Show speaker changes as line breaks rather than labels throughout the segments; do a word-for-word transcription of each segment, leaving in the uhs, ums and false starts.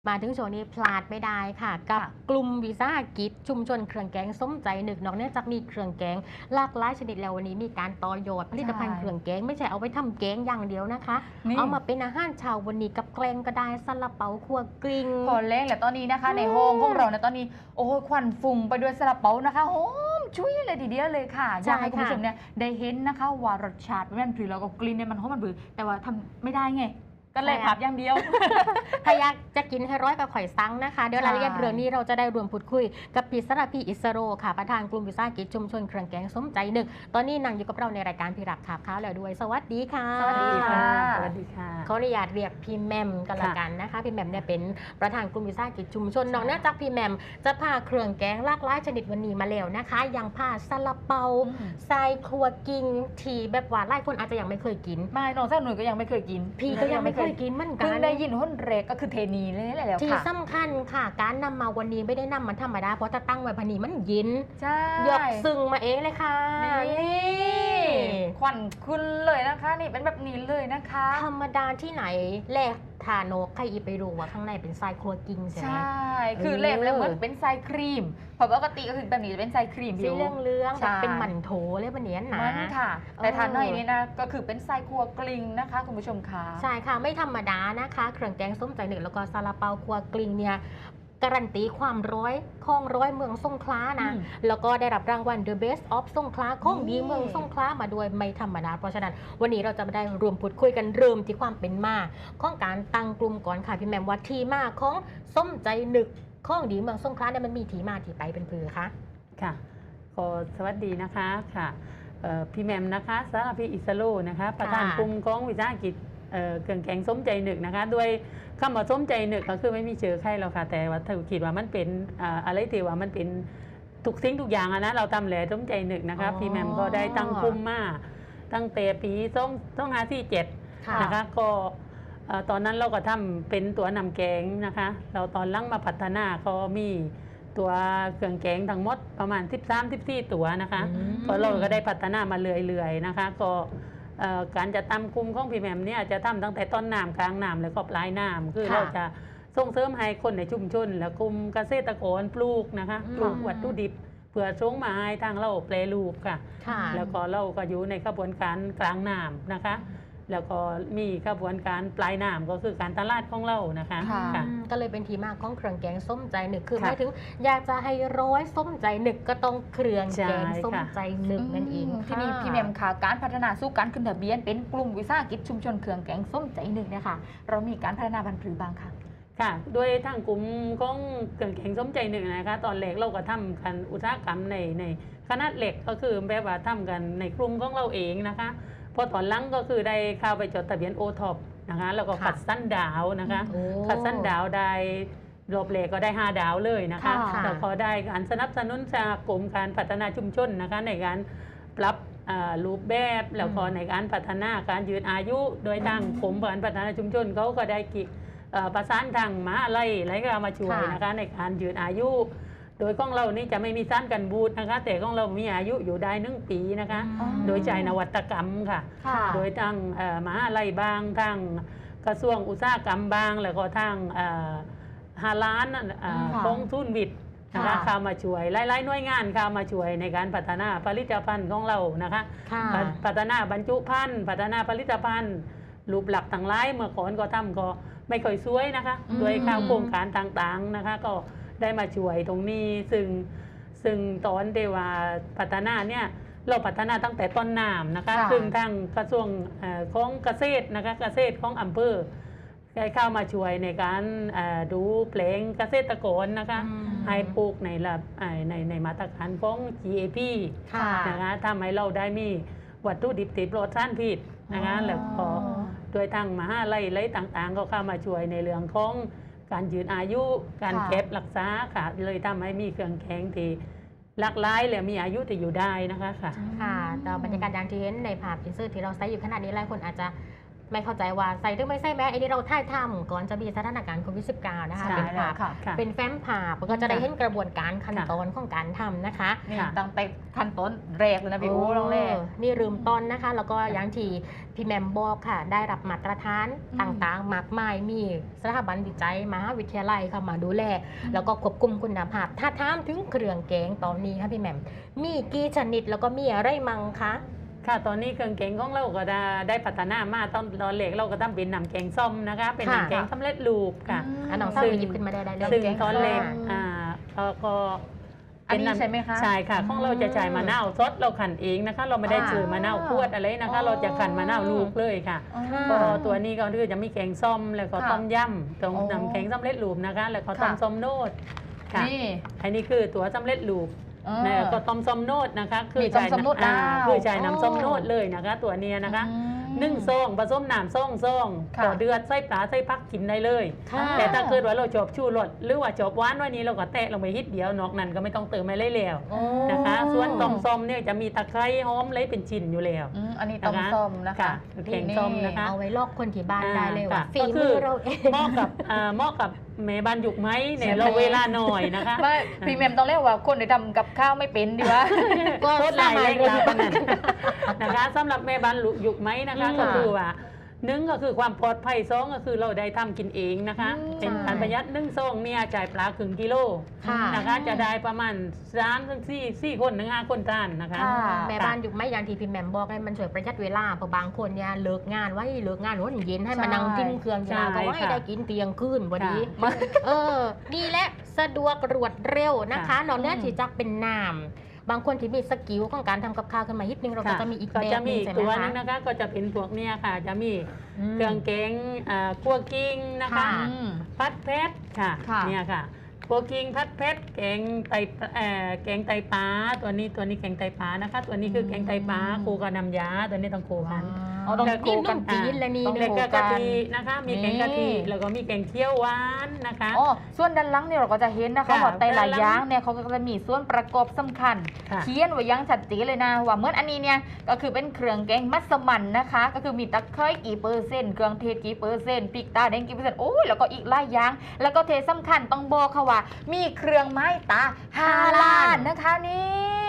มาถึงช่วงนี้พลาดไม่ได้ค่ะกับกลุ่มวิสาหกิจชุมชนเครื่องแกงส้มใจหนึกนอกเนื่องจากมีเครื่องแกงหลากหลายชนิดแล้ววันนี้มีการต่อยอดผลิตภัณฑ์เครื่องแกงไม่ใช่เอาไปทำแกงอย่างเดียวนะคะเอามาเป็นอาหารเช้าวันนี้กับแกงก็ได้ซาลาเปาคั่วกลิ้ง
พอเล้งแหละตอนนี้นะคะในห้องของเราในตอนนี้โอ้ควันฝุ่งไปด้วยซาลาเปานะคะหอมชุยเลยทีเดียวเลยค่ะอยากให้คุณผู้ชมเนี่ยได้เห็นนะคะว่ารสชาติมันผือแล้วก็กลิ่นเนี่ยมันหอมมันบือแต่ว่าทำไม่ได้ไงก็เลยผับอย่างเดียว
ถ้าอยากจะกินให้ร้อยกับข่อยซังนะคะเดี๋ยวรายละเอียดเรื่องนี้เราจะได้รวมพูดคุยกับพี่สระพีอิสโรค่ะประธานกลุ่มวิสาหกิจชุมชนเครื่องแกงส้มใจหนึกตอนนี้นั่งอยู่กับเราในรายการพี่รักขาบข้าวแล้วด้วยสวัสดีค่ะ
สวัสดีค่ะ
สวัสดีค่ะ
ขออนุญาตเรียกพี่แมมกันละกันนะคะพี่แมมเนี่ยเป็นประธานกลุ่มวิสาหกิจชุมชนนอกจากพี่แมมจะพาเครื่องแกงหลากหลายชนิดวันนี้มาแล้วนะคะยังพาซาลาเปาทรายครัวกิ้งที่แบบว่าหลายคนอาจจะยังไม่เคยกิน
ไม่น้องเจ้าหนุ่ยก็ยังไม่เคยกิน
พี่ก็ยังไม่เคยกินเหมือนกัน
เพิ่งได้ยินหุ้นเรกก็คือเทนีเลยแหละแล้วค่ะ
ที่สำคัญค่ะการนำมาวันนี้ไม่ได้นำมาธรรมดาเพราะถ้าตั้งไว้พันนี้มันเย็น
ใช่
ยกซึ่งมาเองเลยค่ะ
นี่ควันขึ้นเลยนะคะนี่เป็นแบบนี้เลยนะคะ
ธรรมดาที่ไหนแลกทานกใครอีไปรู้ว่าข้างในเป็นทรายครัวกิ้งใช่ไหม
ใช่คือเล็บแล้วเหมือนเป็นทรายครีมเพราะปกติก็คือแบบนี้จะเป็นทรายครีม
สีเหลืองเลื้องแบบเป็นหมั่นโถเลยวันนี้หนา
มันค่ะแต่ทานหน่อยนี้นะก็คือเป็นทรายครัวกลิ้งนะคะคุณผู้ชมค่ะ
ใช่ค่ะไม่ธรรมดานะคะเครื่องแกงส้มใจหนึ่งแล้วก็ซาลาเปาครัวกลิ้งเนี่ยการันตีความร้อยของร้อยเมืองสงขลานะแล้วก็ได้รับรางวัล The Best of สงขลาของดีเมืองสงขลามาด้วยไม่ธรรมดาเพราะฉะนั้นวันนี้เราจะมาได้รวมพูดคุยกันเริ่มที่ความเป็นมาของการตั้งกลุ่มก่อนค่ะพี่แมมว่าที่มาของส้มใจหนึกของดีเมืองสงขลาเนี่ยมันมีที่มาที่ไปเป็นพือคะ
ค่ะขอสวัสดีนะคะค่ะพี่แมมนะคะสารพีอิสโลนะคะประธานกลุ่มของวิสาหกิจเครื่องแกงส้มใจหนึกนะคะด้วยคำว่าส้มใจหนึกก็คือไม่มีเชื้อไข้หรอกค่ะแต่ว่าถ้าคิดว่ามันเป็นอะไรที่ว่ามันเป็นทุกสิ่งทุกอย่างนะเราทำแหล่ส้มใจหนึกนะคะพี่แมมก็ได้ตั้งกลุ่มมาตั้งแต่ปีส้มต้องหาที่เจ็ดนะคะก็ตอนนั้นเราก็ทำเป็นตัวนำแกงนะคะเราตอนหลังมาพัฒนาก็มีตัวเครื่องแกงทั้งหมดประมาณสิบสาม สิบสี่ตัวนะคะก็เราก็ได้พัฒนามาเรื่อยๆนะคะก็การจะทำกลุ่มของพี่แมมเนี่ยจะทำตั้งแต่ต้นน้ำกลางน้ำแล้วก็ปลายน้ำคือเราจะส่งเสริมให้คนในชุมชนและกลุ่มเกษตรกรปลูกนะคะปลูกวัตถุดิบเพื่อส่งมาให้ทางเราแปรรูปค่ะแล้วก็เราก็อยู่ในกระบวนการกลางน้ำนะคะแล้วก็มีกระบวนการปลายน้ำก็คือการตลาดของเรานะคะ
ก็เลยเป็นที่มาของเครื่องแกงส้มใจหนึกคือหมายถึงอยากจะให้ร้อยส้มใจหนึกก็ต้องเครื่องแกงส้มใจหนึกนั่นเอง
ที่นี่พี่แมมค่ะการพัฒนาสู่การขึ้นทะเบียนเป็นกลุ่มวิสาหกิจชุมชนเครื่องแกงส้มใจหนึกเนี่ยค่ะเรามีการพัฒนาพันธุ์ผือบางค่ะ
ค่ะด้วยทางกลุ่มของเครื่องแกงส้มใจหนึกนะคะตอนแรกเราก็ทำกันอุตสาหกรรมในในขนาดเล็กก็คือแบบว่าทำกันในกลุ่มของเราเองนะคะพอตอนหลังก็คือได้เข้าไปจดทะเบียนโอท็อปนะคะแล้วก็ขัดสั้นดาวนะคะขัดสั้นดาวได้รอบแรกก็ได้ห้าดาวเลยนะคะแล้วก็ได้การสนับสนุนจากกรมการพัฒนาชุมชนนะคะในการปรับรูปแบบแล้วก็ในการพัฒนาการยืนอายุโดยทางกรมการพัฒนาชุมชนเขาก็ได้กิประสานทางมหาลัยอะไรก็มาช่วยนะคะในการยืนอายุโดยของเรานี่จะไม่มีสารกันบูดนะคะแต่ของเรามีอายุอยู่ได้หนึ่งปีนะคะโดยใช้นวัตกรรมค่ะโดยทางมหาลัยบางทางกระทรวงอุตสาหกรรมบางแล้วก็ทางฮาล้านของทุนวิทย์นะคะเข้ามาช่วยหลายๆหน่วยงานเข้ามาช่วยในการพัฒนาผลิตภัณฑ์ของเรานะคะพัฒนาบรรจุภัณฑ์พัฒนาผลิตภัณฑ์รูปหลักต่างหลายเมื่อก่อนก็ทำก็ไม่ค่อยสวยนะคะโดยข้าวโครงการต่างๆนะคะก็ได้มาช่วยตรงนี้ซึ่งซึ่งตอนเดว่าพัฒนาเนี่ยเราพัฒนาตั้งแต่ต้นน้ำนะคะซึ่งทางกระทรวงของเกษตรนะคะเกษตรของอำเภอได้เข้ามาช่วยในการดูแปลงเกษตรกรนะคะให้ปลูกในระดับในในมาตรฐานของ จี เอ พี นะคะทำให้เราได้มีวัตถุดิบติดปลอดสารพิษนะคะแล้วก็โดยทางมหาลัยอะไรต่างๆก็เข้ามาช่วยในเรื่องของการยืนอายุการเก็บรักษาค่ะเลยทำให้มีเครื่องแกงที่หลากหลายและมีอายุที่อยู่ได้นะคะค่ะ
ค่ะแต่บรรยากาศอย่างที่เห็นในภาพอินเสิร์ตที่เราใช้อยู่ขนาดนี้หลายคนอาจจะไม่เข้าใจว่าใส่หรือไม่ใส่แมสอันนี้เราท่ายทำก่อนจะมีสถานการณ์โควิด สิบเก้า นะคะ
ใช่
เป็น
แล้
ภาว พ
ค่ะ
ค่ะ
เป็นแฟ้มผ่าก็จะได้เห็นกระบวนการขั้นตอนของการทำนะคะ
นี่
ค่ะ
ตั้งแต่ขั้นต้นแรกเลยนะพี่อู๋ลองแรก
เออนี่ลืมต้นนะคะ แล้วก็อย่างที่พี่แหมมบอกค่ะ ได้รับมาตรฐาน
อืม
ต่างๆ มากมาย มีสถาบันวิจัยมหาวิทยาลัยเข้ามาดูแล แล้วก็ควบคุมคุณภาพ ถ้าถามถึงเครื่องแกงตอนนี้ค่ะพี่แหมม มีกี่ชนิดแล้วก็มีอะไรมั่งคะ
ค่ะตอนนี้เครื่องแกงของเราก็ได้ได้พัฒนามาตอนตอนเล็กเราก็ทำเป็นน้ำแกงส้มนะคะ เป็น
ค่ะ
น้ำแกงสำเร็จรูปค่ะ
อันน้องเศร้า
ซึ่ง
หยิบขึ้นมาได้ได้เลย
ซึ่ง
แกง
ตอนเล็ก
ส้ม
อ่าเราก็
อันนี้
เป็ำ
ใช่ไหมคะ
ใช่ค่ะของเราจะใช้มะนาวสดเราขันเองนะคะ เราไม่ได้
อ่า
ซื้อมะนาวขวดอะไรนะคะ
อ๋อ
เราจะขันมะนาวลูกเลยค่ะ
อ๋อ
ก็ตัวนี้ก็คือจะมีแกงส้มแล้วก็
ค่ะ
ต้มยำตรง
อ๋อ
น้ำแกงสำเร็จรูปนะคะ แล้วก็ต้ม
ค่ะ
ส้มโนดค่ะ
นี่
อันนี้คือตัวสำเร็จรูป
เออ
แล้วก็ต้มส้มโนดนะคะ
มีต้มส้มโนด
อ่า
แล้ว
คือใช้
อ๋อ
น้ำส้มโนดเลยนะคะ ตัวเนี้ยนะคะ
อืม
หนึ่งซองผสมน้ำซองซอง
ค่ะ
ต่อเดือนใส่ปลาใส่พักกินได้เลย
ค่ะ
แต่ถ้าเกิดว่าเราจบชูรสหรือว่าจบหวานวันนี้เราก็แตะลงไปนิดเดียวนอกนั้นก็ไม่ต้องเติมอะไรแล้ว
โอ้
นะคะ ส่วนต้มส้มเนี่ยจะมีตะไคร้หอมอะไรเป็นชิ้นอยู่แล้ว
อืมอันนี้ต้มส้มนะคะ
ค่ะแกงส้มนะคะ
เอาไว้ลอกคนที่บ้านได้เลยว่า
อ่า
ฝี
ก็คื
มื
อ
อเราเอง
เหมาะกับอ่าเหมาะกับแม่บ้านยุกไหมเนี่ย
ใช่ไหม
เราเวลาหน่อยนะคะ
ไม่พี่แมมต้องเรียกว่าคนที่ทำกับข้าวไม่เป็นดีวะ
ก็
โคตรหลายเร่งลาปานนั้นนะคะสำหรับแม่บ้านยุกไหมนะคะ
อืม
ก็คือว่าหนึ่งก็คือความปลอดภัยสองก็คือเราได้ทำกินเองนะคะ
อืม
เป็นการประหยัดหนึ่งซองเนี่ยจ่ายปลาครึ่งกิโล
ค่ะ
นะคะ จะได้ประมาณสามถึงสี่สี่คนถึงห้าคนทานนะคะ
ค่ะ
แม่บ้านอยู่ไม่อย่างที่พี่แหมมบอกเลยมันช่วยประหยัดเวลาเพราะบางคนเนี่ยเลิกงานไว้เลิกงานวันเย็นให้มานั่งกินเครื่องยา
ใช่
ก็ให้
ค่ะ
ได้กินเตียงคืนวันนี้
ค่ะ
เออ นี่แหละสะดวกรวดเร็วนะคะ
ค่ะ
นอกเหนือที่จะเป็นน้ำบางคนที่มีสกิลของการทำกับข้าวขึ้นมานิดนึงเราก็
ค่ะ
จะมีอีก
ก็
แบ
จะ
บห
มี
นึง
อีก
ใช่ไหม
ตัว
คะ
นึงนะคะ ก็จะเป็นพวกเนี่ยค่ะ จะมี
อืม
เครื่องแกงอ่าคั่วกิ้งนะคะ
ค่ะ
อืม
พัดเพชรค่ะ
ค่ะ
เนี่ยค่ะคั่วกิ้งพัดเพชรแกงไตเอ่อแกงไตปลาตัวนี้ตัวนี้แกงไตปลานะคะ ตัวนี้คือแกงไตปลา
อืม
คู่กับน้ำยาตัวนี้ต้องคู่กัน
อ๋อต้อง
แล้ว
นี่
คู่กั
นุ่มจีนและนี่
ต้อง
แล้
เน
ว
อะ
ก็
คู่กั
กะ
น
ทินะคะ มีแกงกะทิ
นี่
แล้วก็มีแกงเขียวหวานนะคะ
อ๋อส่วนด้านหลังเนี่ยเราก็จะเห็นนะคะ
ค่ะ
ว่าแต่ละ
ด้านหลัง
อย่างเนี่ยเขาก็จะมีส่วนประกอบสำคัญ
ค่ะ
เขียนไว้อยังชัดเจนเลยนะว่าเหมื่อนอันนี้เนี่ยก็คือเป็นเครื่องแกงมัสมั่นนะคะ ก็คือมีตะไคร้กี่เปอร์เซ็นต์เครื่องเทศกี่เปอร์เซ็นต์พริกตาแดงกี่เปอร์เซ็นต์โอ้ยแล้วก็อีกหลายอย่างแล้วก็เทสำคัญต้องบอกค่ะว่า มีเครื่องไม้ตาฮาลาลนะคะนี่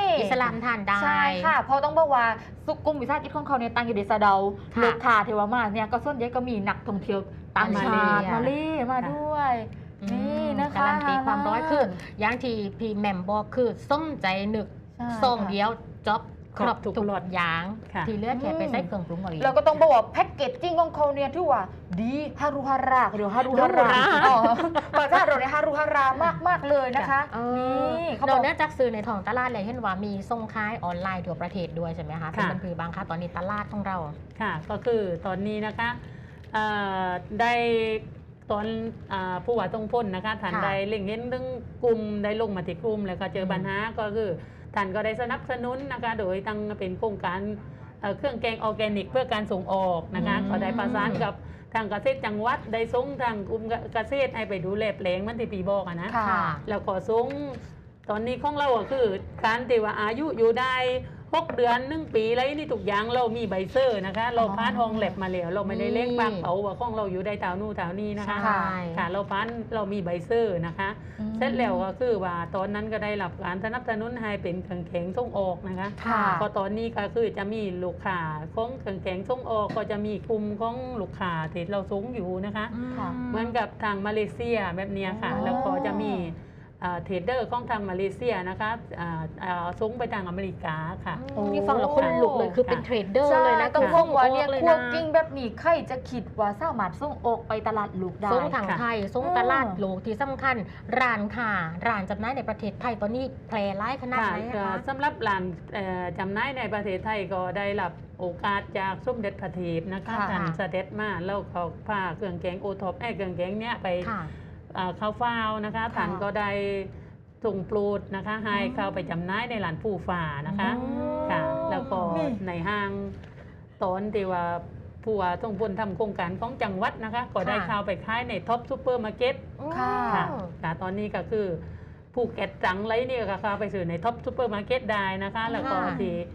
อิสลามทานได้
ใช่ค่ะ เพราะต้องบอกว่าสุกุมวิสาหกิจของเขาเนี่ยตั้งอยู่ในซาเดา
ค่ะ
ลูกค้าเทวามาเนี่ยก็ส่วนใหญ่ก็มีนักท่องเที่ยวต่างชาติ
มา
มา
เล
เล่มาด้วย นี่นะคะ
การันตีความร้อยคืออย่างที่พี่แหมมบอกคือส้มใจหนึก
ใช่
ส่ง
ค่ะ
เดียวจ็อบครบ
ทุ
ทุ
ก
ก
ร
ร
ส
สอย่าง
ค่ะ
ที่เหลือแค่ไปใส่เครื่องปรุงเอาเอง
เราก็ต้องบอกว่าแพ็กเกจจิ้งของเขาเนี่ยที่ว่าดีฮารุฮาราหรือฮารุฮารา
ฮารุฮารา
อ๋อภาษาเราเนี่ยฮารุฮารามากมากๆเลยนะคะ
เออ
นี่เขาบ
เรา
อก
เนื่องจากซื้อในท้องตลาดเลยเห็นว่ามีส่งขายออนไลน์ทั่วประเทศด้วยใช่ไหมคะเป็น
ค่ะ
บันพือบางคะตอนนี้ตลาดของเรา
ค่ะ ก็คือตอนนี้นะคะเอ่อได้ตอนอ่าผู้ว่าต้องพ้นนะคะท่าน
ค่ะ
ได้เล่งเห็นเรื่องกลุ่มได้ลงมาที่กลุ่มแล้วก็เจอ
ม
ปัญหาก็คือท่านก็ได้สนับสนุนนะคะ โดยตั้งเป็นโครงการเอ่อเครื่องแกงออร์แกนิก เพื่อการส่งออกนะคะ
อืม
ก็ได้ประสานกับทางเกษตรจังหวัดได้ส่งทางกลุ่มเกษตรให้ไปดูแลแปลงมันที่ปีบอกอะนะ
ค่ะ
แล้วก็ส่งตอนนี้ของเราก็คือการที่ว่าอายุอยู่ได้หกเดือนหนึ่งปีอะไรนี่ทุกอย่างเรามีใบเซอร์นะคะ เราพานห้องแลบมาแล้วเราไม่ได้เล่งปากเผาว่าของเราอยู่ได้เท่านู่นเท่านี้นะคะ
ใช่
ค่ะเราพานเรามีใบเซอร์นะคะ
อืม
เสร็จแล้วก็คือว่าตอนนั้นก็ได้รับการสนับสนุนให้เป็นเครื่องแข็งส่งออกนะคะ
ค่ะ
พอตอนนี้ก็คือจะมีลูกค้าของเครื่องแข็งส่งออกก็จะมีกลุ่มของลูกค้าที่เราส่งอยู่นะคะ
ค่ะ
เหมือนกับทางมาเลเซียแบบเนี้ยค่ะ
อ๋อ
แล้วก็จะมีอ่าเทรดเดอร์ของทางมาเลเซียนะคะอ่าอ่าส่งไปทางอเมริกาค่ะ
อืมนี่ฟังแล้วคนลุกเลยคือเป็นเทรดเดอร์
ใช่
เลยนะ
ต้อง
คื
บอกว่าเนี่ย
ส่งออกเลย
คั่ว
นะ
กิ้งแบบนี้ใครจะคิดว่าสามารถส่งออกไปตลาดลูกได้
ส่งทาง
ค่ะ
ไทยส่ง
อืม
ตลาดโลกที่สำคัญร้านค่ะร้านจำหน่ายในประเทศไทยตอนนี้แพร่ร้ายขนาด
ค่ะ
ไหนอะ
ก็
คะ
สำหรับร้านเอ่อจำหน่ายในประเทศไทยก็ได้รับโอกาสจากสมเด็จพระเทพนะคะ
ค่ะ
ท่านเสด็จมาแล้วเขาพาเครื่องแกงโอท็อปไอ้เครื่องแกงเนี้ยไป
ค่ะ
อ่าเข้าเฝ้านะคะท่านก็ได้ส่งโปรดนะคะให้เข้าไปจำหน่ายในร้านผู้ฝ่านะคะ
อืม
ค่ะ แล้วก็
นี่
ในห้างตอนที่ว่าผู้ว่าต้องพ้นทำโครงการของจังหวัดนะคะ ก็ได้เข้าไปขายในท็อปซูเปอร์มาร์เก็ต
ค่ะ
ค่ะค่ะตอนนี้ก็คือภูเก็ตจังไรนี่ก็เข้าไปซื้อในท็อปซูเปอร์มาร์เก็ตได้นะคะ แล้วก็
ค่ะ
ที่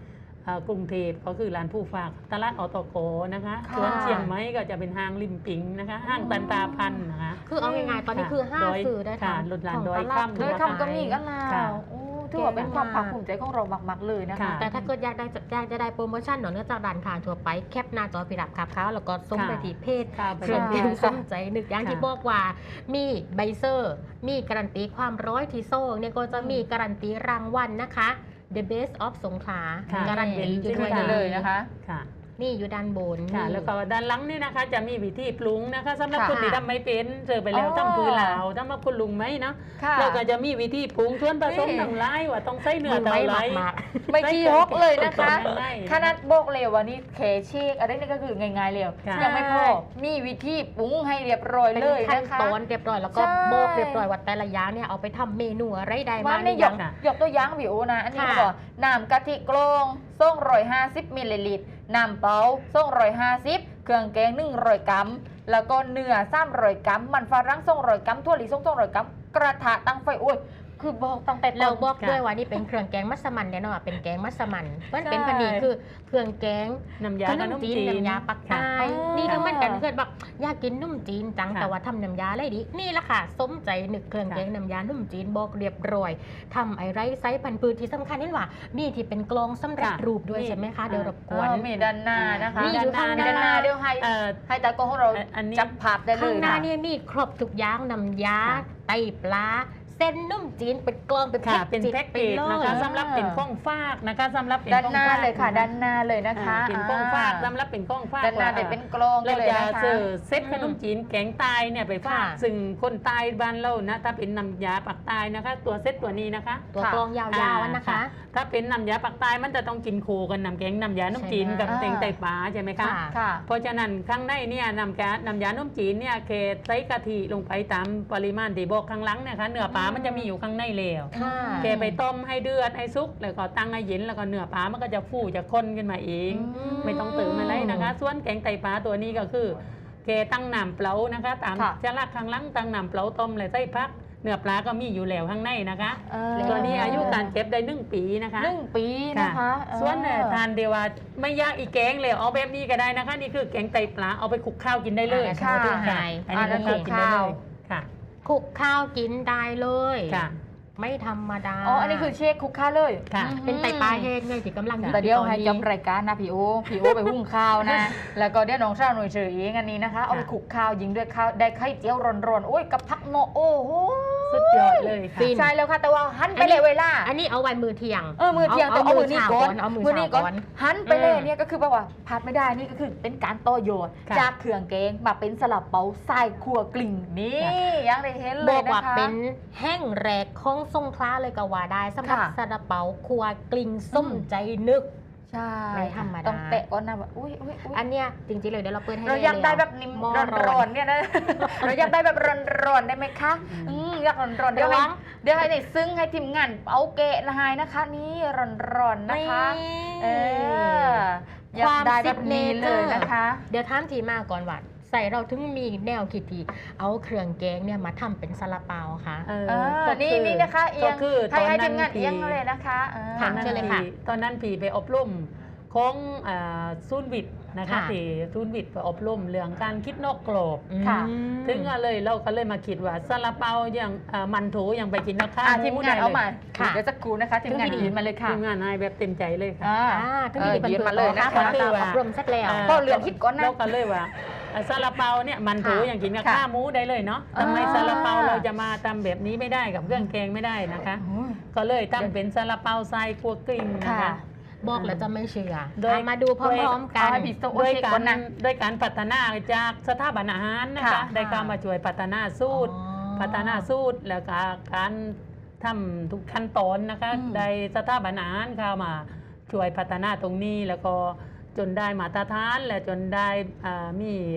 อ่ากรุงเทพก็คือร้านผู้ฝากตลาดอตกนะคะ
ค่ะ
ส่วนเชียงใหม่ก็จะเป็นห้างริมปิงนะคะห้างตันตาพันธ์นะคะ
คือเอาง่ายๆตอนนี้คือห้า
ดอย
สื่อได้
ค่ะ
ทำ
หลุดหลาน
ของ
ดอย
ตลาด
ค่ำ
โดย
นะคะ
คำก็มีกันแล้
ค่ะ
วโอ้ถือว่าเป็นความภาคภูมิใจของเรามากๆเลยนะคะ
ค่ะ
แต่ถ้าเกิดอยากได้อยากจะได้โปรโมชั่นเนาะเนื่องจากร้านค้าทั่วไปแคปหน้าจอพิรับครับเขาแล้วก็ส่งไปที่เพจ
ค่ะ
เครื่องดื่ม
ค่ะ
ส้มใจนึกอย่างที่
ค่ะ
บอกว่ามีใบเซอร์ มีการันตีความร้อยที่โซ่เนี่ยก็จะมีการันตีรางวัลนะคะ The Best of สงขลา
ค่ะ
การันตีอยู่ด้วย
ขึ้นมาเลยนะคะ
ค่ะ
นี่อยู่ด้านบน
ค่ะ
นี่
แล้วก็ด้านหลังนี่นะคะจะมีวิธีปรุงนะคะสำหรับ
ค่ะ
คนที่ทำไม่เป็นเจอไปแล้ว
อ๋อ
ทำพื้นเหลาทำมาคุณลุงไหมเนาะ
ค่ะ
เราก็จะมีวิธีปรุงส่วนผสม
นี่
ต่างหลายว่าต้องใส่เนื้อ
มัน
เท่า
ไม่
ไห
ห
ร
มักหมัก
ไม่ขี้ฮกเลยนะคะ
ง่ายๆ
ขนาดบอกเลยว่านี่เคเชคอะไรนี่ก็คือง่ายๆเลย
ค่ะ
ยังไม่พอมีวิธีปรุงให้เรียบร้อย
เป็น
เลย
ขั้น
นะคะ
ตอนเรียบร้อยแล้วก็
ใช่
บอกเรียบร้อยว่าแต่ละอย่างเนี่ยเอาไปทำเมนูอะไรได้
ว่า
มา
ไม่
หรื
ย
อก ยัง
ค่ะ
ยกตัวอย่างวิวนะ อันนี้
ค่ะ
ก็บอกน้ำกะทิกลงส่งร้อยห้าสิบมิลลิลิตรน้ำเปล่าส่งร้อยห้าสิบเครื่องแกงหนึ่งร้อยกรัมแล้วก็เนื้อสามร้อยกรัมมันฝรั่งส่งร้อยกรัมถั่วลิสงส่งร้อยกรัมกระทะตั้งไฟโอ้ยคือบอกตั้งแต่ต้น
เราบอก
ค่ะ
ด้วยว่านี่เป็นเครื่องแกงมัสมั่นแน่นอนว่าเป็นแกงมัสมั่นมันเป็น
ใช่
พอดีคือเครื่องแกง
น้ำยา
ข
กับ
นม
น้ำ
จี
จี
น
น
น้ำยาปักใต้
ค่ะ
นี่ก็เหมือนกัน
อ๋อ
เกิดแบบอยากกินนุ่มจีนจัง
ค่ะ
แต่ว่าทำน้ำยาอะไรดีนี่แหละค่ะสมใจนึกเครื่องแกงน้ำยานุ่มจีนบอกเรียบร้อยทำไอ้ไรไซส์พันธุ์พืชที่สำคัญนี่ว่ามีที่เป็นกลองสำเร็จ
ค่ะ
รูปด้วย
นี่
ใช่ไหมคะเดี๋ยวรบก
อ๋
วน
อมีด้านหน้านะคะ
มีอยู่ข้างหน้า
ด้านหน้าเดี๋ยวให้
เอ่อ
ให้ตากล้องของเรา
อันนี้
จับภาพได้เล
ข้าง
ย
หน้า
ค่ะ
นี่มีครบทุกอย่างน้ำยา
ค่ะ
ไตปลาเส้นนุ่มจีนเป็นกลองเป็น
ค่ะ
แพ็
เป็น
จิ
แพ็กเกจ
ไป
นะคะ
เลย
สำหรับเป็นข้องฟากนะคะสำหรับเป็น
ด้าน
ข้อง
หน้า
ฟาก
เลยค่ะ
น
ด้านหน้าเลยนะคะ
อ่าเป็นข้องฟากสำหรับเป็นข้องฟาก
ด้านหน้า
ว่
เด็เป็นกลองได้
เรา
เลย
จะ
นะคะ
เจอเซตขนมจีนแกงใตายเนี่ยไปฝาก
ค่ะ
ซึ่งคนใตายบ้านเรานะถ้าเป็นน้ำยาปักใตายนะคะ ตัวเซตตัวนี้นะคะ
ตัว
ค่ะ
กลองยาวๆอันนะคะ
ถ้าเป็นน้ำยาปักใตายมันจะต้องกินคู่กันน้ำแกงน้ำยาน้ำจีน
ใช่ไหม
กับแตงไตปลาใช่ไหมคะ
ค่ะ
ค่ะ
เพราะฉะนั้นข้างในเนี่ยน้ำแกงน้ำยาน้ำจีนเนี่ยเคใส่กะทิลงไปตามปริมาณที่บอกข้างหลังเนะคะเนื้อปลามันจะมีอยู่ข้างในแล้ว
ค่ะ
แกไปต้มให้เดือดให้ซุกแล้วก็ตั้งให้เย็นแล้วก็เนื้อปลามันก็จะฟูจะข้นขึ้นมาเอง
อืม
ไม่ต้องเติมอะไรนะคะ ส่วนแกงไตปลาตัวนี้ก็คือแกตั้งน้ำเปล่านะคะ ตาม
ค่ะ
จะลักข้างหลังตั้งน้ำเปล่าต้มเลยใส่พักเนื้อปลาก็มีอยู่แล้วข้างในนะคะ
เออ
ตัวนี้อายุการเก็บได้หนึ่งปีนะคะ
หนึ่งปีนะคะเออ
ส่วนเนี่ยทานเดียวว่าไม่ยากอีกแกงเลยเอาแบบนี้ก็ได้นะคะ นี่คือแกงไตปลาเอาไปคลุกข้าวกินได้เลย
อ่า
ค่ะ
ที่หาย
อันนี้
อ่า
คลุกข้าวกินได้
คลุกข้าว
เลยค่ะ
คลุกข้าวกินได้เลย
ค่ะ
ไม่ธรรมดา
อ๋อ อันนี้คือเชคคุกข้าวเลย
ค่ะ
อืม
เป็นไตปลาแห้งไงที่กำลัง
แต่เดี๋ยวให้
ตอน
จ
นี้
บรายการนะพี่โอพี่โอไปหุ้งข้าวนะ แล้วก็เดี๋ยวน้องเช้าหน่วยเฉยเองอันนี้นะคะ เอาไปคลุกข้าวยิงด้วยข้าวได้ไข่เจียวร้อนๆ โอ้ยกับพักโมโอ้โห
สุดยอดเลยค่ะ
ฟิน
ใช่แล้วค่ะ แต่ว่าหันไปเลยเวลา
อันนี้เอาไว้มือเที่ยง
เออมือเที่ยงแต่เอามือนี้ก่อน
เอามือเช้า
นี้
ก่อน
หันไปเลย
อืม
เนี่ยก็คือแบบว่าพลาดไม่ได้นี่ก็คือเป็นการต่อยอด
ค่ะ
จากเครื่องแกงมาเป็นสลับเปาทรายครัวกลิ่งนี่
ค่ะ
ยังได้เห็นเล
บอย ก
นะ
ว่า
คะ
เป็นแห้งแรกของทรงคล้าเลยก็ว่าได้สำหรับ
ค่ะ
ซาลาเปาครัวกลิ่งส้มใจนึก
ใช่
ไม่ธรรมดา
ต้องเตะก่อนนะแบบอุ้ยอุ้ยอุ้ย
อันเนี้ยจริงๆเลยเดี๋ยวเราเปิดให้
เราอยากได้แบบนิ่ม
หม้อ
ร้อนๆเนี่ยนะ เราอยากได้แบบร้อนๆได้ไหมคะ อืมอยากร้อนๆเดี๋ยวให้เดี๋ยวให้ในซึ้งให้ทีมงานเอาเกะนายนะคะ นี่ร้อนๆนะคะ เอออยากได้แบบนี้เลยนะคะ
เดี๋ยวถามทีมาก่อนว่าใส่เราถึงมีแนวคิดที่เอาเครื่องแกงเนี่ยมาทำเป็นซาลาเปาค่ะ
เออ
เออ
ก็
นี่
คือ
นี่นะคะเอีย
ก็
ง
คือ
ให้
ตอน
ให้
นั้
ที
น
มงาน
พี่
เอียงเลยนะคะเออ
ค่ะ
ตอนนั้น
เชิญเลยค่ะ
พี่ตอนนั้นพี่ไปอบรมของอ่าศูนย์วิทย์นะคะ
ค่ะ
ที่ศูนย์วิทย์ไปอบรมเรื่องการคิดนอกกรอบ
ค่ะ
อืม
ถึงก็เลยเราก็เลยมาคิดว่าซาลาเปาอย่างอ่ามันโถอย่างไปกินราคา
อ่ะทีมงานเอามา
ค่ะ
เดี๋ยวสักครู่นะคะทีมงาน
ทีม
ยืนมาเลยค่ะ
ทีมงานให้แบบเต็มใจเลยค่ะ
อ่า
อ่าถึง
เออ
ที่เป็น
ยืน
เพื่
มาเลยนะ
ต่อ
คะ
ตามตามอบรมเสร็จแล้ว
า
ก็เรือนคิดก่อนนะ
เราก็เลยว่าอ่าซาลาเปาเนี่ยมันโถ
ค่ะ
อย่างกินกับ
ค่ะ
ข้าวหมูได้เลยเนาะ
อ่า
ทำไมซาลาเปาเราจะมาทำแบบนี้ไม่ได้กับเครื่องแกงไม่ได้นะคะ
โอ้ย
ก็เลยทำเป็นซาลาเปาทรายคั่วกลิ้งนะคะ
ค่ะ
บอกแล้วจะไม่เชื่อ
โดย
อ่ะมาดูพร้อมๆกั
เอา
น
ให้พี่โซ
ด้วย
เช็ค
กา
ก่อ
ร
นนะ
ด้วยการพัฒนาจากสถาบันอาหารนะคะ
ค่ะ
ได้เข้ามาช่วยพัฒนาสูตร
อ๋อ
พัฒนาสูตรแล้วก็การทำทุกขั้นตอนนะคะ
อืม
ได้สถาบันอาหารเข้ามาช่วยพัฒนาตรงนี้แล้วก็จนได้มาตรฐานและจนได้อ่ามี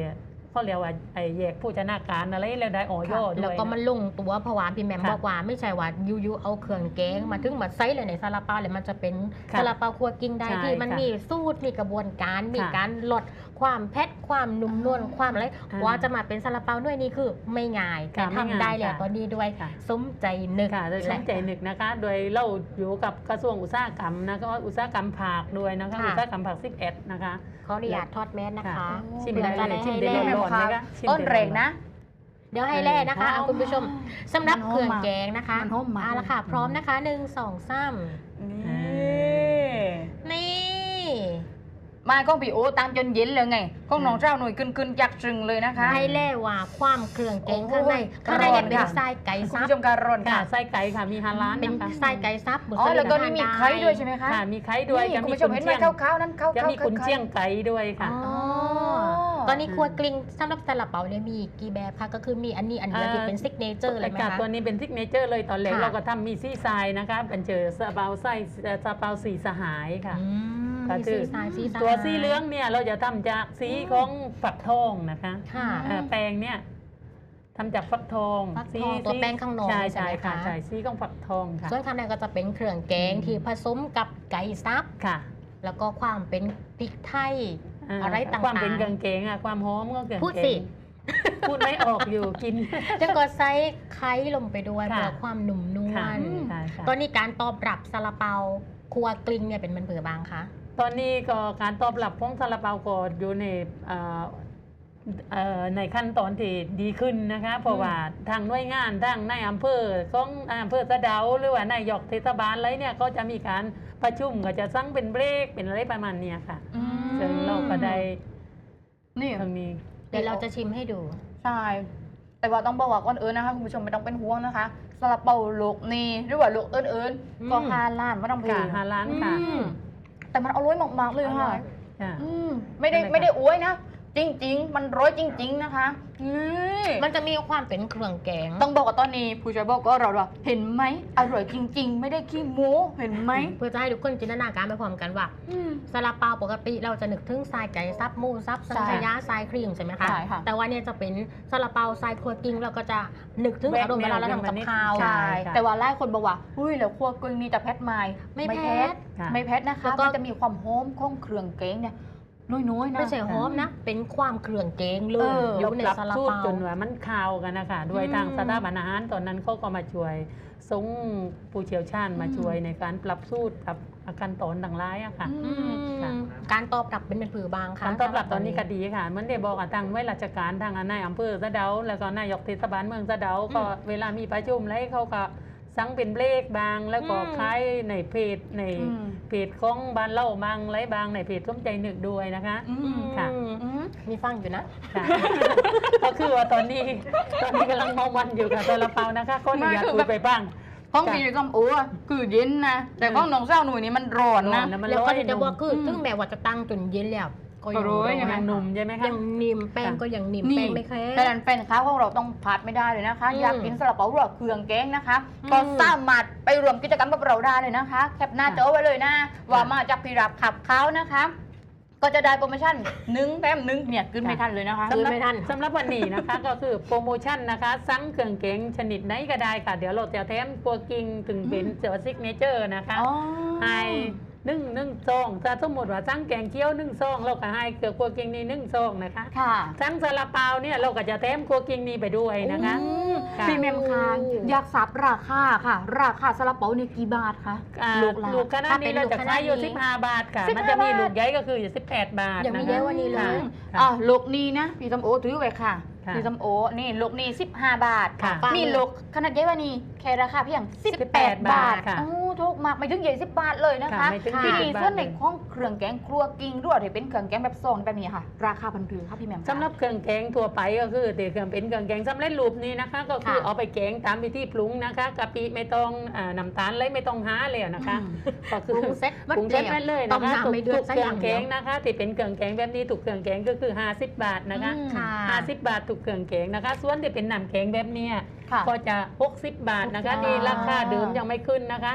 เขาเรียกว่าไอ้แยกผู้ชนะการอะไรแล้วได้ออยด้วย
แล้วก็มันลงตัวเพราะว่าพี่แหมม
ค่ะ
บอกว่าไม่ใช่ว่ายูๆเอาเครื่องแกงมาถึงมาใส่เลยในซาลาเปาเลยมันจะเป็น
ค่ะ
ซาลาเปาครัวกลิ้งได้
ใช่
ที่มัน
ค่ะ
มีสูตรมีกระบวนการมี
ค่ะ
การลดความเผ็ดความนุ่มนวลความอะไร
อ่า
ว่าจะมาเป็นซาลาเปาด้วยนี่คือไม่ง่ายแต่
ค่ะไม่ง่าย
ทำได้แล้ว
ค่ะ
ตอนนี้ด้วย
ค่ะ
สมใจนึก
ค่ะโดยสนใจหนึกนะคะ โดยเราอยู่กับกระทรวงอุตสาหกรรมนะก็อุตสาหกรรมผักด้วยนะคะ
ค่ะ
อุตสาหกรรมผักสิบเอ็ดนะคะ
ขออนุญาตทอดแมสนะคะ
ค่ะ ชิม
เพื่อ
ได้
จะ
เล
ได้
ยชิม
ให้
ได้
แล่
ร้อนๆไหมคะชิม
ต้น
ได้
แรงนะ
เดี๋ยวให้แล่นะคะเอาคุณผู้ชมสำหรับ
มันหอม
เครื่อง
มาก
แกงนะคะ
มันหอมมาก
เอาละค่ะ พร้อมนะคะหนึ่งสองสาม
นี่
นี่
มาก้องพี่โอตามจนเย็นเลยไงก้องน้องเจ้าหน่วยกึนกึนๆยักษ์จึงเลยนะคะ
ให้แล่ว่าความเครื่องแกง
โอ้ย
ข้างในข้างในเนี่ยเป็น
ร้อนค่ะ
ไส้ไก่
คุณ
ซับ
ผู้ชมการอน
ค่ะ
ค่ะ
ไส้ไก่ค่ะมีฮาลาน
เป็น
นะคะ
ไส้ไก่ซับบุษ
อ๋อ
ลิ
แล้วก็
ทา
นี่มี
ด้
ไข่ด้วยใช่ไหมคะ
ค่ะมีไข่ด้วย
นี่
จะ
คุณ
มี
ผู้ช
กุ
ม
น
เห็นไหม
เชียง
ขาวๆนั้นขาวๆ
จะมีกุนเชียงไก่ด้วยค่ะ
อ๋อ
อ๋อ
ตอนนี้ครัวกลิ้งสำหรับซาลาเปาเนี่ยมีกี่แบบคะก็คือมีอันนี้อันเดียว
เอ่อ
ที่เป็นซิกเนเจอร์เลยไหม
ค่ะ
คะ
ตัวนี้เป็นทิกเนเจอร์เลยตอนแรก
ค่ะ
เราก็ทำมีซี่ทรายนะคะเป็นเจอซาเปาไส้ซาเปาสีสหายค่ะ
อืม
ก็
มี
คือ
สีสายสีสาย
ตัวสีเหลืองเนี่ยเราจะทำจากสีของฝักทองนะคะ
ค่ะ
เอ่อแป้งเนี่ยทำจากฟักทอง
ฟักทองตัวแป้งข้างนอก
ใช่
ใช่
ใช่
ไหม
ค่ะ
คะ
ใช่สีของฝักทองค่ะ
ส่วนข้างในก็จะเป็นเครื่องแกง
อืม
ที่ผสมกับไก่ซับ
ค่ะ
แล้วก็ความเป็นพริกไทย
า
อะไรต่างๆ
ความเป็นเครื่องแกงอะความหอมก็เครื่อง
พูด
แก
สิ
งพูดไม่ออกอยู่กิน
แล้วก็ใส่ไข่ลงไปด้วย
ค่ะ
เพื่อความหนุ่มนว
ค่ะ
ล
ค่ะค่ะ
ตอนนี้การตอบรับซาลาเปาครัวกลิ้งเนี่ยเป็นมันเผือบางคะ
ตอนนี้ก็การตอบรับของซาลาเปาก็อยู่ในเอ่อเอ่อในขั้นตอนที่ดีขึ้นนะคะ เพราะว่าทางหน่วยงานทางในายอำเภอของอำเภอสะเดาหรือว่านายกเทศบาลอะไรเนี่ยก็จะมีการประชุมก็จะสั่งเป็นเบรกเป็นอะไรประมาณเนี้ยค่ะ
อืม
ซึ่งเราก็ได้
นี่
ทางนี้
เดี๋ยวเราจะชิมให้ดู
ใช่ แต่ว่าต้องบอกว่าก่อนเอิญนะคะคุณผู้ชมไม่ต้องเป็นห่วงนะคะซาลาเปาโลกนี้หรือว่าโลกเอิญเอิญ
อืม
ก็ฮาล้านไม่ต้องเพ
ค่ะฮาล้านค่ะ
อืมแต่มันอร่อยมากๆเลยค่ะ
ค่ะ
อืมไม่ได้
ได้ไหมคะ
ไม่ได้อวยนะ จริง ๆ มันร้อยจริง ๆ นะคะนี่
มันจะมีความเป็นเครื่องแกง
ต้องบอกว่าตอนนี้ผู้ช่วยบอกก็เราว่าเห็นไหมอร่อยจริง ๆ ไม่ได้ขี้โม้เห็นไหม
เพื่อจะให้ทุกคนจินตนาการไปพร้อมกันว่า
อืม
ซาลาเปาปกติเราจะนึกถึงทรายไก่ซับหมูซับสังขยาทรายครีมใช่ไหมคะ
ใช่ค่ะ
แต่ว่าเนี่ยจะเป็นซาลาเปาทรายครัวกลิ้งเราก็จะนึกถึงอารมณ์เวลาเราทำกับข้าว
ใช่
ใช่
ค่ะ
แต่ว่าหลายคนบอกว่าอุ้ยแล้วครัวกลิ้งนี่จะแพทไหม
ไม่แพท
ค่ะ
ไม่แพทนะคะ
แล้วก็
มันจะมีความหอมของเครื่องแกงเนี่ยน้อยๆนะ
ไม่ใช่หอมนะ เป็นความเครื่องแกงเล
เอย อ
อยู่ใน
ปรับ
ซาลา
สูตร
เปา
จนว่ามันข่าวกันนะคะด้วย
อืม
ทางสถาบันอาหารตอนนั้นเขาก็มาช่วยส่งผู้เชี่ยวชาญมาช่วยในการปรับสูตรปรับอาการตอนต่างร้ายอะค่ะ
อื
อื
ม
ม
ค่ะ
การตอบรับเป็นเป็นผือบางค่ะ
การตอบรับตอนนี้ก็ดีค่ะเหมือนได้บอกกับทางไว้ราชการทางนายอำเภอสะเดา แล้วก็นายกเทศบาลเมืองสะเดาก็เวลามีประชุมแล้วเขาก็สั่งเป็นเบรกบาง แล้วก็ขายในเพจใน
อืม
เพจของบ้านเล่าบางไรบางในเพจส้มใจหนึกด้วยนะคะ
อืม
ค่ะ
อืม
มีฟังอยู่นะ
ค่ะ ก็คือว่าตอนนี้ตอนนี้กำลังมองวันอยู่กับซาลาเปานะคะก็อยากคุยไปบ้าง
ห้อง
จ้ะ
พี่ส้มโอ้อะคือเย็นนะ แต่ห้องน้องเจ้าหนุ่ยนี่มันร้อนนะ
ร้อนนะ มัน
แล้ว
ร้
ก็
อย
จะบอกคือ
อืม
ถึงแม้ว่าจะตั้งจนเย็นแล้วก็ยัง
ก็ร้อย
ร้
ยังไง
ยังหนุ่มใช่ไหมคะ
ยังนิ่มแป้ง
ค่ะ
ก็ยังนิ่ม
นี่
แป้งไม่แข็ง
แต่นั้นแฟนค้าของเราต้องพลาดไม่ได้เลยนะคะ
อืม
อยากกินซาลาเปาหรือว่าเครื่องแกงนะคะ
อืม
ก็สามารถไปรวมกิจกรรมกับเราได้เลยนะคะ แคปหน้าจอไว้เลยนะ ว่ามาจากพิรับขับเขานะคะ ก็จะได้โปรโมชั่นหนึ่งแถมหนึ่งเนี่ยขึ้นไม่ทันเลยนะคะ
ซื้อไม่ทัน
สำหรับวันนี้นะคะ ก็คือโปรโมชั่นนะคะสั่งเครื่องเก๋งชนิดไหนก็ได้ค่ะ เดี๋ยวเราจะแถมตัวกิงถึงเป็นเจอซิกเนเจอร์นะคะ
อ๋อ
ให้หนึ่งหนึ่งซองถ้าสมมติว่าสั่งแกงเกี๊ยวหนึ่งซองเราก็ให้เกลือกัวกิงนี่หนึ่งซองนะคะ
ค่ะ
สั่งซาลาเปาเนี่ยเราก็จะแถมกัวกิงนี่ไปด้วยนะคะ
อืม
ค่ะ
พี่เมมคางอยากทราบราคาค่ะ ราคาซาลาเปาเนี่ยกี่บาทคะ
อ่า
ลูกละ
ลูกขนาดนี้เราจะขายอยู่
ถ้าเป็นลูกขนาดนี้
สิบห้าบาทค่ะ
สิบห้า
มันจะมี
บาท
ลูกใหญ่ก็คืออยู่สิบแปดบาท
อย่างมี
นะ
เย
คะ
อะกว่านี้เลย
ค่ะ
อ่ะลูกนี้นะพี่ส้มโอถือไว้ค่ะ
ค่ะ
พี่ส้มโอนี่ลูกนี้สิบห้าบาท
ค่ะ
นี่ลูกขนาดใหญ่กว่านี้แค่ราคาเพียงสิบแปด
บา
บา
ท
ท
ค่ะ
โอ้ถูกมากไม่ถึงใหญ่สิบบาทเลยนะคะ
ค่ะไม่ถึง
ที่ดี
ยี่สิบบาท
ส่วนในห้องเครื่องแกงครัวกิ้งด้วยที่เป็นเครื่องแกงแบบซองแบบนี้ค่ะ ราคาพันผือค่ะพี่แหม่มคะ
สำหรับเครื่องแกงทั่วไปก็คือแต่เครื่องเป็นเครื่องแกงสำเร็จรูปนี้นะคะ ก็คือ
ค่ะ
เอาไปแกงตามวิธีปรุงนะคะกะปิไม่ต้องอ่าน้ำตาลเลยไม่ต้องหาเลยนะคะ ก็
ป
คือ
รุงเซ็ต
ปรุงเซ็ตไว้เลย
ต้
นะ
ม
คะ
น้ำไม่เดือด
ทุก
สัก
เค
อ
รื่อย่าง งแก
เดียว
งนะคะที่เป็นเครื่องแกงแบบนี้ถูกเครื่องแกงก็คือห้าสิบบาทนะคะ
อืม
ค่ะ
ห้าสิบบาทถูกเครื่องแกงนะคะ ส่วนที่เป็นน้ำแกงแบบเนี้ย
ค่ะ
ก็จะหกสิบบาทนะคะ
หกสิบบาท
นี่ราคาเดิมยังไม่ขึ้นนะคะ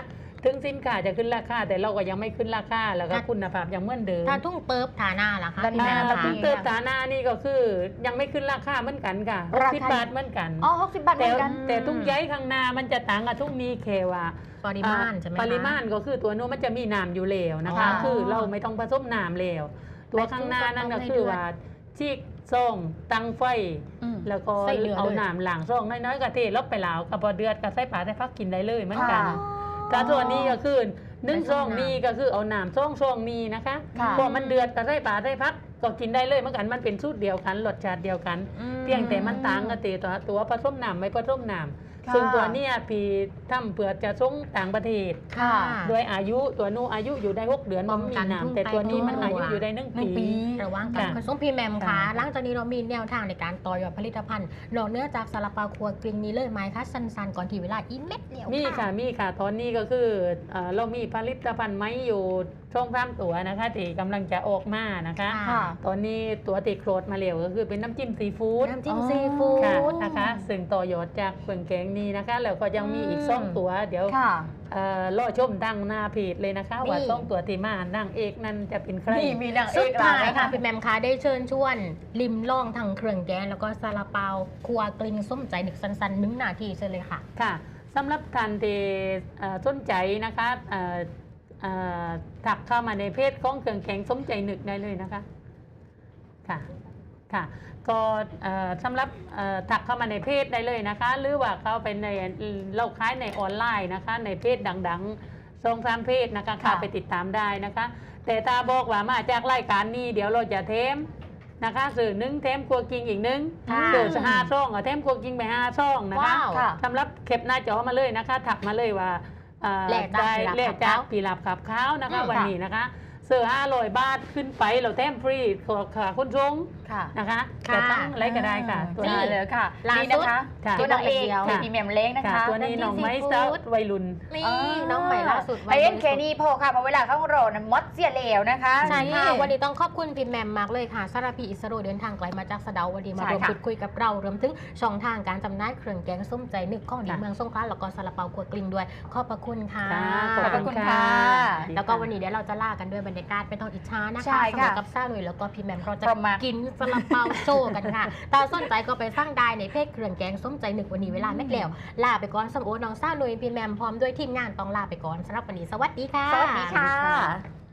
ถึงสินค้าจะขึ้นราคาแต่เราก็ยังไม่ขึ้นราคาแล้วก็คุณภาพยังเหมือนเดิม
ถ้าทุ่งเปิบฐาหน้าล่ะคะ
ด้านห
พี่
น้า
แหม่
อ่าม
คะ
ถึงเติมฐานะนี่ก็คือยังไม่ขึ้นราคาเหมือนกันค่ะ
ราคา
สิบบาทเหมือนกัน
อ๋อหกสิบบาทเห
แต่
มือนกัน
แต่ทุกย้ายข้างหน้ามันจะต่างกับทุกนี้แค่ว่า
ปริมาณใช่ไหมคะ
ปริมาณก็คือตัวโน้นมันจะมีน้ำอยู่แล้วนะคะ
อ๋อ
คือเราไม่ต้องผสมน้ำแล้วตัวข้างหน้านั่นก็คือว่าชีกซ่องตั้งไฟ
อืม
แล้วก็
ใส่เหลือเลย
เอาน้ำหลังซ่องน้อยๆก็เทลบไปแล้วก็พอเดือดก็ใส่ปลาใส่พักกินได้เลยเหมือนกัน
ค่ะ
ถ้าส่วนนี้ก็คือนึ่ง
ใส่
ซ่อง
น้ำ
นี้ก็คือเอาน้ำซ่องซ่องนี้นะคะ
ค่ะ
พอมันเดือดก็ใส่ปลาใส่พักก็กินได้เลยเหมือนกันมันเป็นสูตรเดียวกันรสชาติเดียวกัน
อืม
เพียงแต่มันต่างกันตีตัวตัวผสมน้ำไม่ผสมน้ำ
ค่ะ
ซึ่งตัวเนี้ยพี่ทำเพื่อจะส่งต่างประเทศ
ค่ะ
โดยอายุตัวนู้นอายุอยู่ได้หกเดือน
ป้
มั
อน ง
มี
กัน
น้ำแต่ตัวนี้มันอายุอยู่ได้หนึ่ง
หนึ่ง
ปี
ปี
ระวังกัน
ค่ะ
คุณส้มพี่แหมมคะ
ค่ะ
หลังจากนี้เรามีแนวทางในการต่อยอดผลิตภัณฑ์นอกเหนือจากซาลาเปาครัวกริงนี้เลยไหมคะสันๆก่อนที่เวลาอีเม็ดเดียว
มีค่ะมีค่ะตอนนี้ก็คือเอ่อเรามีผลิตภัณฑ์ไม้อยู่ช่องสามตัวนะคะที่กำลังจะออกมานะคะ
ค่ะ
ตอนนี้ตัวติโครดมาเร็วก็คือเป็นน้ำจิ้มซีฟู้ด
น้ำจิ้ม
อ๋อ
ซีฟู้
ค่ะ
ด
นะคะซึ่งต่อยอดจากเครื่องแกงนี้นะคะ แล้วก็ยังมีอีก
อืม
สองตัวเดี๋ยว
ค่ะ
เอ่อรอชมดังหน้าเพจเลยนะคะ
นี่
ว่าสองตัวที่มานางเอกนั้นจะเป็นใคร
นี่มีนางเอ
สุด
ก
ท้าย
แล้ว
ค่ะพี่แหมมคะได้เชิญชวนลิมล่องทางเครื่องแกงแล้วก็ซาลาเปาครัวกริงส้มใจหนึกสันๆหนึ่งนาทีเชิญเลยค่ะ
ค่ะสำหรับท่านที่เอ่อสนใจนะคะเอ่อเอ่อถักเข้ามาในเพจของเครื่องแข็งสมใจนึกได้เลยนะคะค่ะค่ะก็เอ่อสำหรับเอ่อถักเข้ามาในเพจได้เลยนะคะ หรือว่าเข้าไปในเราขายในออนไลน์นะคะ ในเพจดังๆสองสามเพจนะคะเข้าไปติดตามได้นะคะ แต่ถ้าบอกว่ามาจากรายการนี้เดี๋ยวเราจะเทมนะคะสื่อหนึ่งเทมครัวกิงอีกหนึ่ง
ค่ะ
สื่อห้าช่องเอาเทมครัวกิงไปห้าช่องนะคะ
ว้าว
ค่ะ
สำหรับเข็บหน้าจอมาเลยนะคะ ถักมาเลยว่าเอ่อ
แลกจาก
ได้
ปีหลับ
แลก
ขับ
จาก
ขาว
ปีหลับขับข้าวนะคะ
อืม
วันนี้นะคะเสือห้าร้อยบาทขึ้นไปเราแถมฟรีขอขาคุณชง
ค่ะ
นะคะ
ค่ะ
จะตั้งอะไรก็ได้ค่ะ ตัว
ได้
นี้
เลยค่ะ
ล่าสุด
นี่นะคะ
ค่ะ
ตัวนางเอก
เดียว
เป็นพรีเมียมเล้งนะ
ค่ะ
คะ
ตัวนี้น้องไม้
ซีฟู้
สาว
ด
วัยรุ่น
นี่น้องใหม่ล่าสุด
ไอเอ็นเคนี่พอค่ะเพราะเวลาเข้าโรนมดเสียเหลวนะคะ
ใช่ค่ะ
นี่
วันนี้ต้องขอบคุณพี่แหมมมากเลยค่ะสารพีอิสโรเดินทางไกลมาจากสะเดาวันนี้มา
ใช่
ร่วม
ค่ะ
พูดคุยกับเรารวมถึงช่องทางการจำหน่ายเครื่องแกงส้มใจนึกข้องดี
ค่ะ
เมืองสงขลาแล้วก็ซาลาเปาครัวกลิ้งด้วย ขอบพระคุณค่ะ
ค่ะ
ขอบคุณค่ะ
แล้วก็วันนี้เดี๋ยวเราจะลากันด้วยบรรยากาศเป็นตอนอิจฉานะคะ
ใช่
สำห
ค่ะ
รับกับซ่าเลยแล้วก็พี่แหมมเราจะ
ประมาณ
กินซาลาเปาโชว์กันค่ะถ้าสนใจก็ไปสร้างได้ในเพจเครื่องแกงส้มใจนึกวันนี้เวลาไม่แล้วลาไปก่อนสมโอน้องซ่าเลยพี่แหมมพร้อมด้วยทีมงานต้องลาไปก่อนสำหรับวันนี้สวัสดีค่ะ
สวัสดีค่ะ